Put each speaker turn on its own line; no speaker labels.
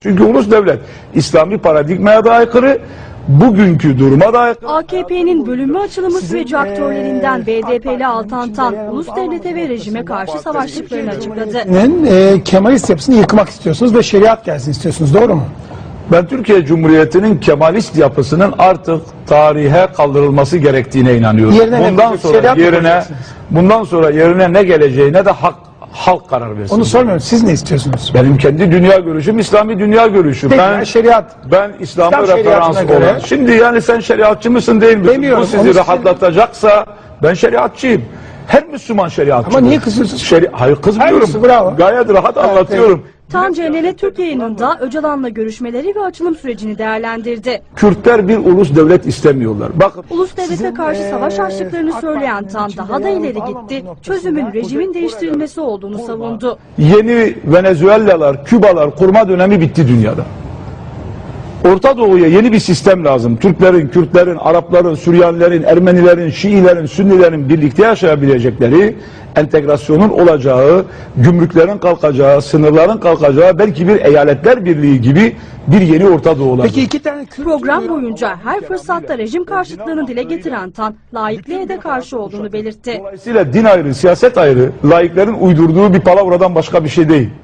Çünkü ulus devlet İslami paradigmaya da aykırı, bugünkü duruma da aykırı.
AKP'nin bölünme açılımı süreci aktörlerinden BDP'li Altan Tan, ulus devlete ve rejime karşı savaştıklarını açıkladı.
Kemalist yapısını yıkmak istiyorsunuz ve şeriat gelsin istiyorsunuz, doğru mu?
Ben Türkiye Cumhuriyeti'nin Kemalist yapısının artık tarihe kaldırılması gerektiğine inanıyorum. Bundan sonra yerine ne geleceğine de halk karar versin.
Onu sormuyorum. Siz ne istiyorsunuz?
Benim kendi dünya görüşüm İslami dünya görüşü.
Peki, şeriat.
Ben İslam'ı
İslam
referans
şeriatına göre-
olan. Şimdi yani sen şeriatçı mısın değil misin?
Demiyorum,
Bu sizi
onu
rahatlatacaksa ben şeriatçıyım. Her Müslüman şeriatçı.
Ama niye kızıyorsunuz?
Hayır kızmıyorum.
Hayır, bravo.
Gayet rahat anlatıyorum.
Tan CNN Türk yayınında Öcalan'la görüşmeleri ve açılım sürecini değerlendirdi.
Kürtler bir ulus devlet istemiyorlar. Bakın.
Ulus devlete karşı savaş açtıklarını söyleyen Tan daha da ileri gitti. Çözümün rejimin değiştirilmesi olduğunu savundu.
Yeni Venezuelalar, Kübalar kurma dönemi bitti dünyada. Orta Doğu'ya yeni bir sistem lazım. Türklerin, Kürtlerin, Arapların, Süryanilerin, Ermenilerin, Şiilerin, Sünnilerin birlikte yaşayabilecekleri, entegrasyonun olacağı, gümrüklerin kalkacağı, sınırların kalkacağı, belki bir eyaletler birliği gibi bir yeni Orta Doğu olacak.
Peki iki tane
Program boyunca her fırsatta rejim karşıtlığını dile getiren Tan, laikliğe de karşı olduğunu belirtti.
Dolayısıyla din ayrı, siyaset ayrı, laiklerin uydurduğu bir palavradan başka bir şey değil.